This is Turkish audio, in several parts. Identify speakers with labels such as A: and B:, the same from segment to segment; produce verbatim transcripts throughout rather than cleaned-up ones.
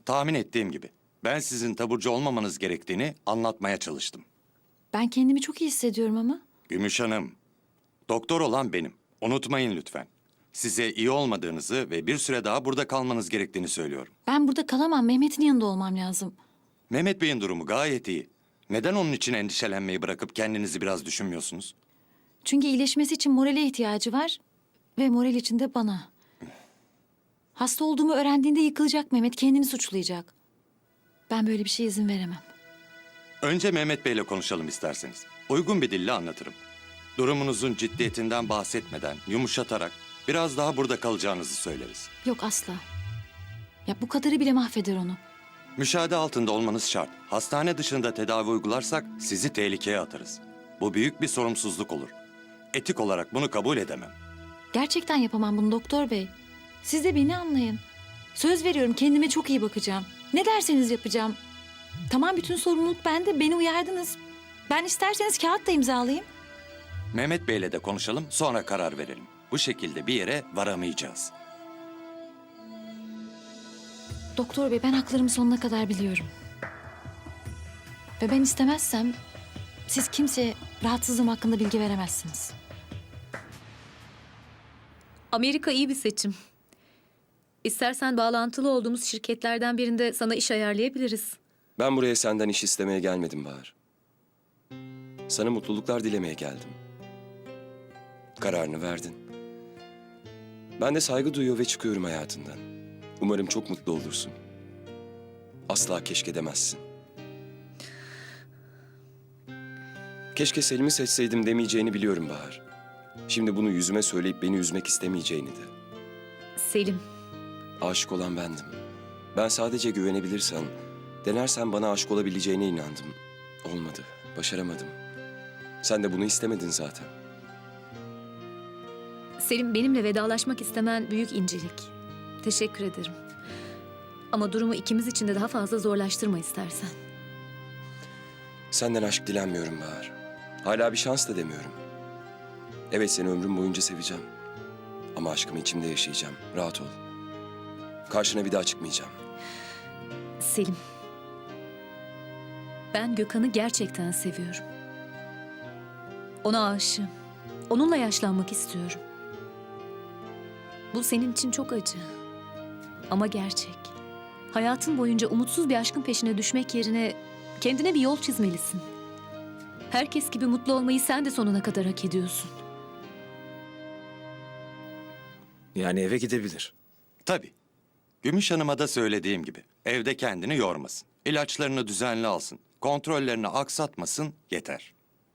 A: Tahmin ettiğim gibi. Ben sizin taburcu olmamanız gerektiğini anlatmaya çalıştım.
B: Ben kendimi çok iyi hissediyorum ama.
A: Gümüş Hanım, doktor olan benim. Unutmayın lütfen. Size iyi olmadığınızı ve bir süre daha burada kalmanız gerektiğini söylüyorum.
B: Ben burada kalamam. Mehmet'in yanında olmam lazım.
A: Mehmet Bey'in durumu gayet iyi. Neden onun için endişelenmeyi bırakıp kendinizi biraz düşünmüyorsunuz?
B: Çünkü iyileşmesi için morale ihtiyacı var. Ve moral için de bana. Hasta olduğumu öğrendiğinde yıkılacak Mehmet. Kendini suçlayacak. Ben böyle bir şeye izin veremem.
A: Önce Mehmet Bey'le konuşalım isterseniz. Uygun bir dille anlatırım. Durumunuzun ciddiyetinden bahsetmeden, yumuşatarak biraz daha burada kalacağınızı söyleriz.
B: Yok asla. Ya bu kadarı bile mahveder onu.
A: Müşahede altında olmanız şart. Hastane dışında tedavi uygularsak sizi tehlikeye atarız. Bu büyük bir sorumsuzluk olur. Etik olarak bunu kabul edemem.
B: Gerçekten yapamam bunu doktor bey. Siz de beni anlayın. Söz veriyorum kendime çok iyi bakacağım. Ne derseniz yapacağım. Tamam bütün sorumluluk bende. Beni uyardınız. Ben isterseniz kağıt da imzalayayım.
A: Mehmet Bey'le de konuşalım, sonra karar verelim. Bu şekilde bir yere varamayacağız.
B: Doktor bey ben haklarımı sonuna kadar biliyorum. Ve ben istemezsem siz kimseye rahatsızlığım hakkında bilgi veremezsiniz.
C: Amerika iyi bir seçim. İstersen bağlantılı olduğumuz şirketlerden birinde sana iş ayarlayabiliriz.
D: Ben buraya senden iş istemeye gelmedim Bahar. Sana mutluluklar dilemeye geldim. Kararını verdin. Ben de saygı duyuyor ve çıkıyorum hayatından. Umarım çok mutlu olursun. Asla keşke demezsin. Keşke Selim'i seçseydim demeyeceğini biliyorum Bahar. Şimdi bunu yüzüme söyleyip beni üzmek istemeyeceğini de.
C: Selim,
D: Aşık olan bendim. Ben sadece güvenebilirsen, denersen bana aşık olabileceğine inandım. Olmadı, başaramadım. Sen de bunu istemedin zaten.
C: Selim benimle vedalaşmak istemen büyük incelik. Teşekkür ederim. Ama durumu ikimiz için de daha fazla zorlaştırma istersen.
D: Senden aşk dilenmiyorum Bahar. Hala bir şans da demiyorum. Evet seni ömrüm boyunca seveceğim. Ama aşkımı içimde yaşayacağım. Rahat ol. Karşına bir daha çıkmayacağım.
C: Selim, ben Gökhan'ı gerçekten seviyorum. Ona aşığım. Onunla yaşlanmak istiyorum. Bu senin için çok acı. Ama gerçek. Hayatın boyunca umutsuz bir aşkın peşine düşmek yerine kendine bir yol çizmelisin. Herkes gibi mutlu olmayı sen de sonuna kadar hak ediyorsun.
E: Yani eve gidebilir.
A: Tabii. Gümüş Hanım'a da söylediğim gibi evde kendini yormasın. İlaçlarını düzenli alsın. Kontrollerini aksatmasın yeter.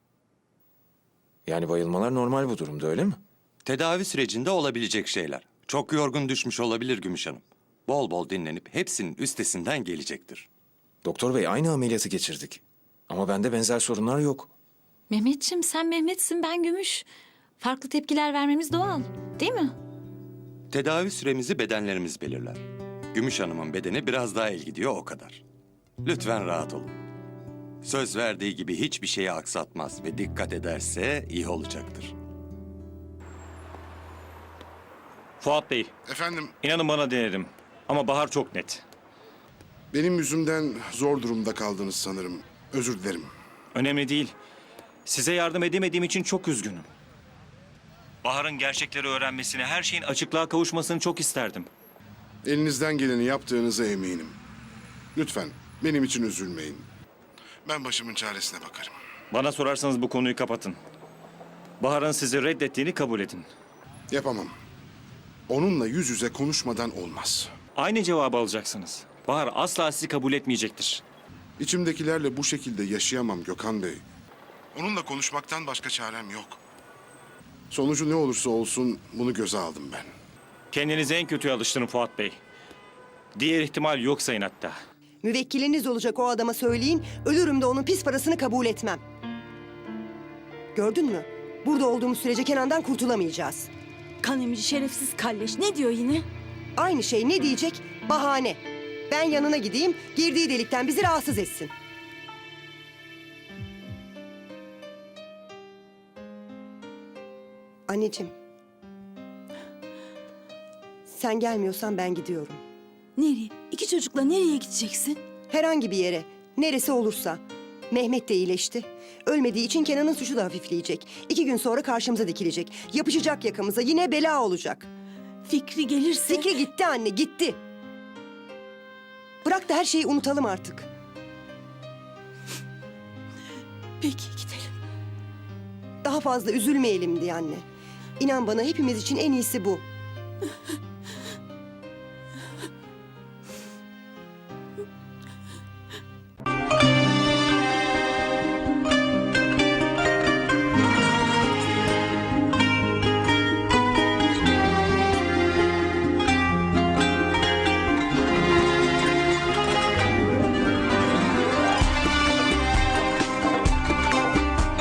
E: Yani bayılmalar normal bu durumda öyle mi?
A: Tedavi sürecinde olabilecek şeyler. Çok yorgun düşmüş olabilir Gümüş Hanım. Bol bol dinlenip hepsinin üstesinden gelecektir.
E: Doktor bey aynı ameliyatı geçirdik. Ama bende benzer sorunlar yok.
B: Mehmetciğim sen Mehmet'sin ben Gümüş. Farklı tepkiler vermemiz doğal. Değil mi?
A: Tedavi süremizi bedenlerimiz belirler. Gümüş Hanım'ın bedeni biraz daha el gidiyor o kadar. Lütfen rahat olun. Söz verdiği gibi hiçbir şeyi aksatmaz ve dikkat ederse iyi olacaktır.
F: Fuat Bey,
G: Efendim,
F: inanın bana denedim. Ama Bahar çok net.
G: benim yüzümden zor durumda kaldınız sanırım. Özür dilerim.
F: Önemli değil. Size yardım edemediğim için çok üzgünüm. Bahar'ın gerçekleri öğrenmesini, her şeyin açıklığa kavuşmasını çok isterdim.
G: Elinizden geleni yaptığınıza eminim. Lütfen benim için üzülmeyin. Ben başımın çaresine bakarım.
F: Bana sorarsanız bu konuyu kapatın. Bahar'ın sizi reddettiğini kabul edin.
G: Yapamam. Onunla yüz yüze konuşmadan olmaz.
F: Aynı cevabı alacaksınız. Bahar asla sizi kabul etmeyecektir.
G: İçimdekilerle bu şekilde yaşayamam Gökhan Bey. Onunla konuşmaktan başka çarem yok. Sonucu ne olursa olsun bunu göze aldım ben.
F: Kendinizi en kötüye alıştırın Fuat Bey. Diğer ihtimal yok sayın hatta.
H: Müvekkiliniz olacak o adama söyleyin, ölürüm de onun pis parasını kabul etmem. Gördün mü? Burada olduğumuz sürece Kenan'dan kurtulamayacağız.
I: Kan emici şerefsiz kalleş. Ne diyor yine?
H: Aynı şey ne diyecek? Bahane. Ben yanına gideyim, girdiği delikten bizi rahatsız etsin. Anneciğim. Sen gelmiyorsan ben gidiyorum.
I: Nereye? İki çocukla nereye gideceksin?
H: Herhangi bir yere, neresi olursa. Mehmet de iyileşti. Ölmediği için Kenan'ın suçu da hafifleyecek. İki gün sonra karşımıza dikilecek. Yapışacak yakamıza, yine bela olacak.
I: Fikri gelirse...
H: Fikri gitti anne, gitti. Bırak da her şeyi unutalım artık.
I: Peki gidelim.
H: Daha fazla üzülmeyelim diye anne. İnan bana hepimiz için en iyisi bu.